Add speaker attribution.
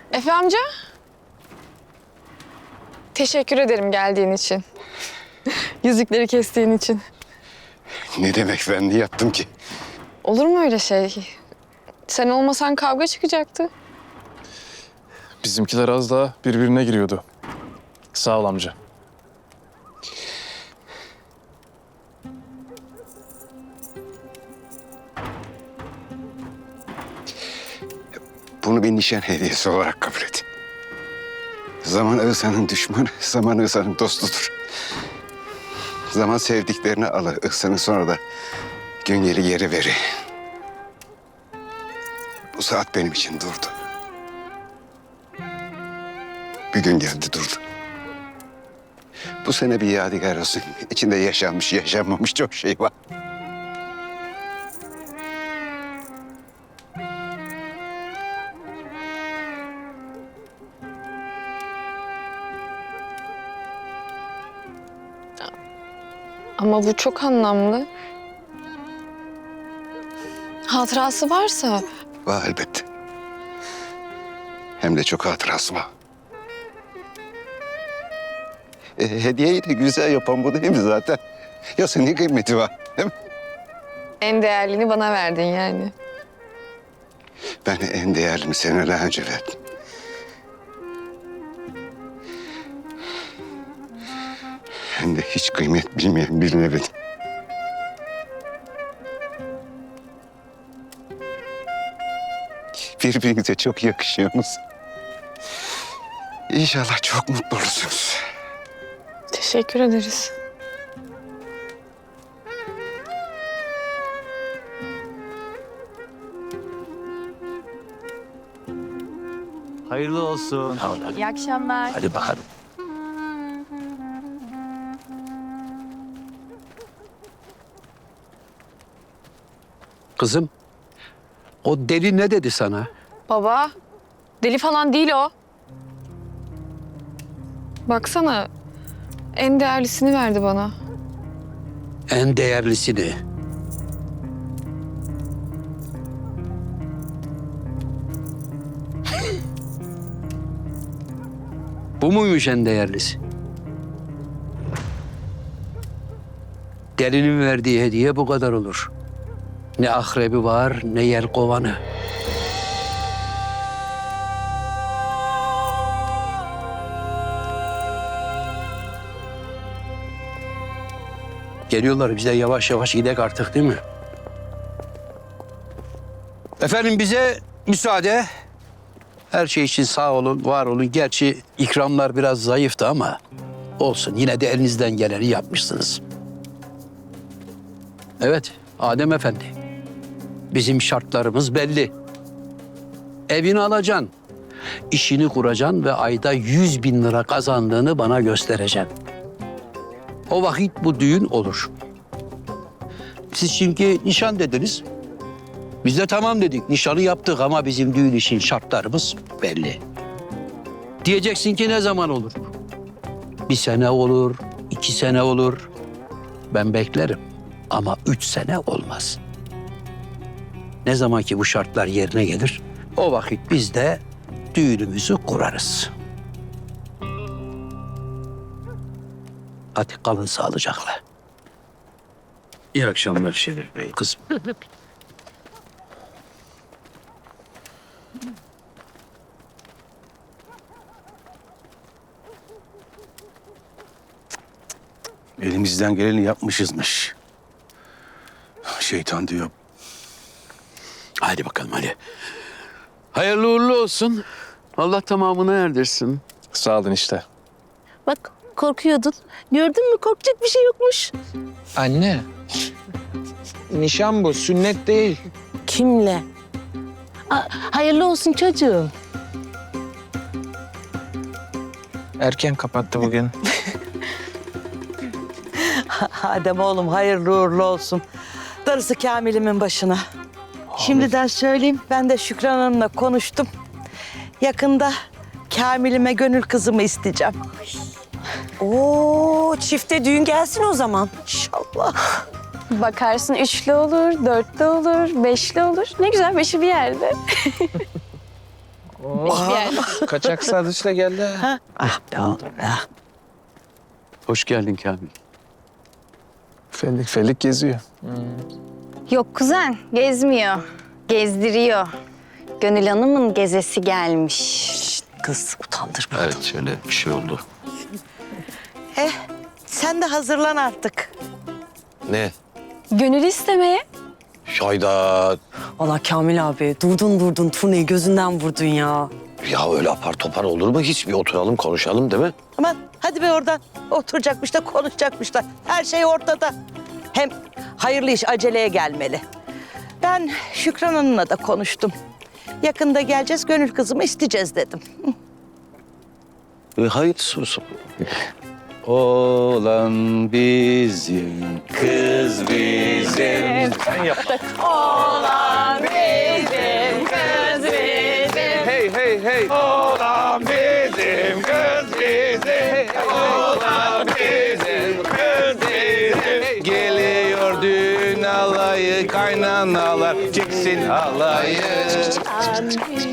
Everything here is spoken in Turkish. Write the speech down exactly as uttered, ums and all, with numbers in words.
Speaker 1: Efe amca. Teşekkür ederim geldiğin için. Yüzükleri kestiğin için.
Speaker 2: Ne demek, ben ne yaptım ki?
Speaker 1: Olur mu öyle şey? Sen olmasan kavga çıkacaktı.
Speaker 3: Bizimkiler az daha birbirine giriyordu. Sağ ol amca.
Speaker 2: Bunu bir nişan hediyesi olarak kabul et. Zaman Ihsan'ın düşmanı, zaman Ihsan'ın dostudur. Zaman sevdiklerini alır, Ihsan'ın sonra da gün geri geri verir. Bu saat benim için durdu. Bir gün geldi durdu. Bu sene bir yadigar olsun. İçinde yaşanmış, yaşanmamış çok şey var.
Speaker 1: Ama bu çok anlamlı. Hatırası varsa.
Speaker 2: Var elbette. Hem de çok hatırası var. E, hediyeyi de güzel yapan bu değil mi zaten? Ya senin kıymeti var, değil mi?
Speaker 1: En değerlini bana verdin yani.
Speaker 2: Ben en değerlini seneler önce verdim. Hem de hiç kıymet bilmeyen birine verdim. Birbirinize çok yakışıyorsunuz. İnşallah çok mutlu olursunuz.
Speaker 1: Teşekkür ederiz.
Speaker 4: Hayırlı olsun.
Speaker 5: İyi akşamlar.
Speaker 4: Hadi bakalım.
Speaker 6: Kızım, o deli ne dedi sana?
Speaker 1: Baba, deli falan değil o. Baksana, en değerlisini verdi bana.
Speaker 6: En değerlisini. Bu muymuş en değerlisi? Delinin verdiği hediye bu kadar olur. Ne akrebi var, ne yelkovanı. Geliyorlar, biz de yavaş yavaş gidek artık, değil mi? Efendim, bize müsaade. Her şey için sağ olun, var olun. Gerçi ikramlar biraz zayıftı ama olsun. Yine de elinizden geleni yapmışsınız. Evet, Adem Efendi. Bizim şartlarımız belli. Evini alacaksın, işini kuracaksın ve ayda yüz bin lira kazandığını bana göstereceksin. O vakit bu düğün olur. Siz çünkü nişan dediniz. Biz de tamam dedik, nişanı yaptık ama bizim düğün için şartlarımız belli. Diyeceksin ki ne zaman olur? Bir sene olur, iki sene olur. Ben beklerim ama üç sene olmaz. Ne zaman ki bu şartlar yerine gelir, o vakit biz de düğünümüzü kurarız. Hadi kalın sağlıcakla.
Speaker 4: İyi akşamlar Şerif Bey.
Speaker 6: Kızım.
Speaker 4: Elimizden geleni yapmışızmış. Şeytan diyor.
Speaker 6: Hadi bakalım hadi. Hayırlı uğurlu olsun. Allah tamamını erdirsin.
Speaker 3: Sağ olun işte.
Speaker 5: Bak korkuyordun. Gördün mü korkacak bir şey yokmuş.
Speaker 7: Anne. Nişan bu, sünnet değil.
Speaker 5: Kimle? Aa, hayırlı olsun çocuğum.
Speaker 7: Erken kapattı bugün.
Speaker 8: Adem oğlum hayırlı uğurlu olsun. Darısı Kamil'imin başına. Şimdiden söyleyeyim, ben de Şükran Hanım'la konuştum. Yakında Kamil'ime gönül kızımı isteyeceğim. Oo, çifte düğün gelsin o zaman. İnşallah.
Speaker 5: Bakarsın üçlü olur, dörtlü olur, beşli olur. Ne güzel beşi bir yerde.
Speaker 7: Kaçak sadıçla geldi ha.
Speaker 8: Ah be oğlum ya.
Speaker 6: Hoş geldin Kamil.
Speaker 3: Fellik fellik geziyor.
Speaker 9: Yok kuzen, gezmiyor. Gezdiriyor. Gönül Hanım'ın gezesi gelmiş.
Speaker 8: Kız utandırma.
Speaker 4: Evet şöyle bir şey oldu.
Speaker 8: Eh sen de hazırlan artık.
Speaker 10: Ne?
Speaker 9: Gönül istemeye.
Speaker 10: Hayda.
Speaker 11: Valla Kamil abi durdun durdun turneyi gözünden vurdun ya.
Speaker 10: Ya öyle apar topar olur mu? Hiç bir oturalım konuşalım değil mi?
Speaker 8: Aman hadi be oradan. Oturacakmış da konuşacakmış da. Her şey ortada. Hem hayırlı iş aceleye gelmeli. Ben Şükran Hanım'la da konuştum. Yakında geleceğiz, Gönül kızımı isteyeceğiz dedim.
Speaker 10: E, hayırlısı olsun.
Speaker 4: Oğlan bizim, kız bizim. Sen yap.
Speaker 7: Hey hey hey.
Speaker 2: Oğlan bizim, kız bizim. Oğlan bizim, kız bizim.
Speaker 4: Geliyor düğün alayı, kaynanalar çeksin halayı.